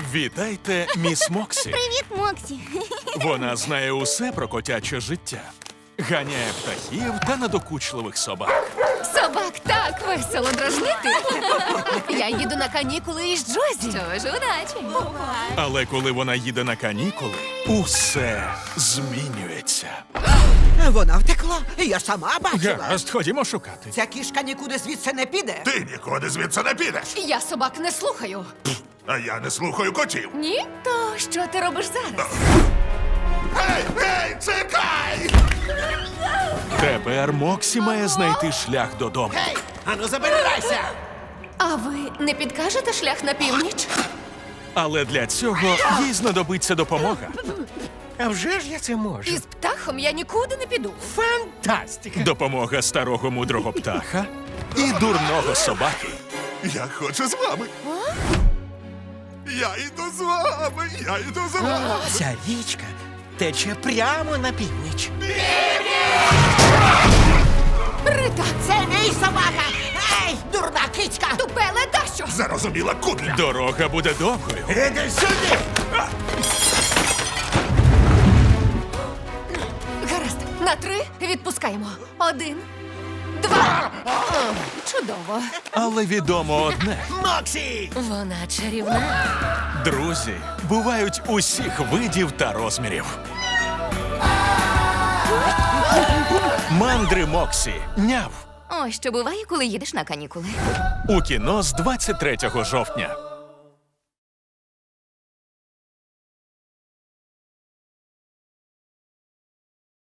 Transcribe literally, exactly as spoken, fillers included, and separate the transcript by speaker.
Speaker 1: Вітайте, міс Моксі.
Speaker 2: Привіт, Моксі.
Speaker 1: Вона знає усе про котяче життя. Ганяє птахів та надокучливих собак.
Speaker 3: Собак так весело дражнити. Я їду на канікули із Джозі.
Speaker 2: Що ж, удачі.
Speaker 1: Але коли вона їде на канікули, усе змінюється.
Speaker 4: Вона втекла, я сама бачила.
Speaker 1: Гаразд, ходімо шукати.
Speaker 4: Ця кішка нікуди звідси не піде.
Speaker 5: Ти нікуди звідси не підеш.
Speaker 3: Я собак не слухаю.
Speaker 5: А я не слухаю котів.
Speaker 3: Ні? То що ти робиш зараз?
Speaker 5: Гей, гей, чекай!
Speaker 1: Тепер Моксі має знайти шлях додому.
Speaker 4: Ану, забирайся!
Speaker 3: А ви не підкажете шлях на північ?
Speaker 1: Але для цього їй знадобиться допомога.
Speaker 6: А вже ж я це можу.
Speaker 3: Із птахом я нікуди не піду.
Speaker 6: Фантастика!
Speaker 1: Допомога старого мудрого птаха і дурного собаки.
Speaker 5: Я хочу з вами. Я йду з вами, я йду з вами.
Speaker 6: Ця річка тече прямо на північ.
Speaker 3: Рита!
Speaker 4: Це мій собака! Ей, дурна кицька!
Speaker 3: Тупеле дащо!
Speaker 5: Зарозуміла кудля.
Speaker 1: Дорога буде довгою.
Speaker 5: Іди сюди!
Speaker 3: Гаразд, на три відпускаємо. Один, два. О, чудово.
Speaker 1: Але відомо одне.
Speaker 6: Моксі!
Speaker 3: Вона чарівна.
Speaker 1: Друзі бувають усіх видів та розмірів. Мандри Моксі. Няв.
Speaker 2: Ось що буває, коли їдеш на канікули.
Speaker 1: У кіно з двадцять третього жовтня.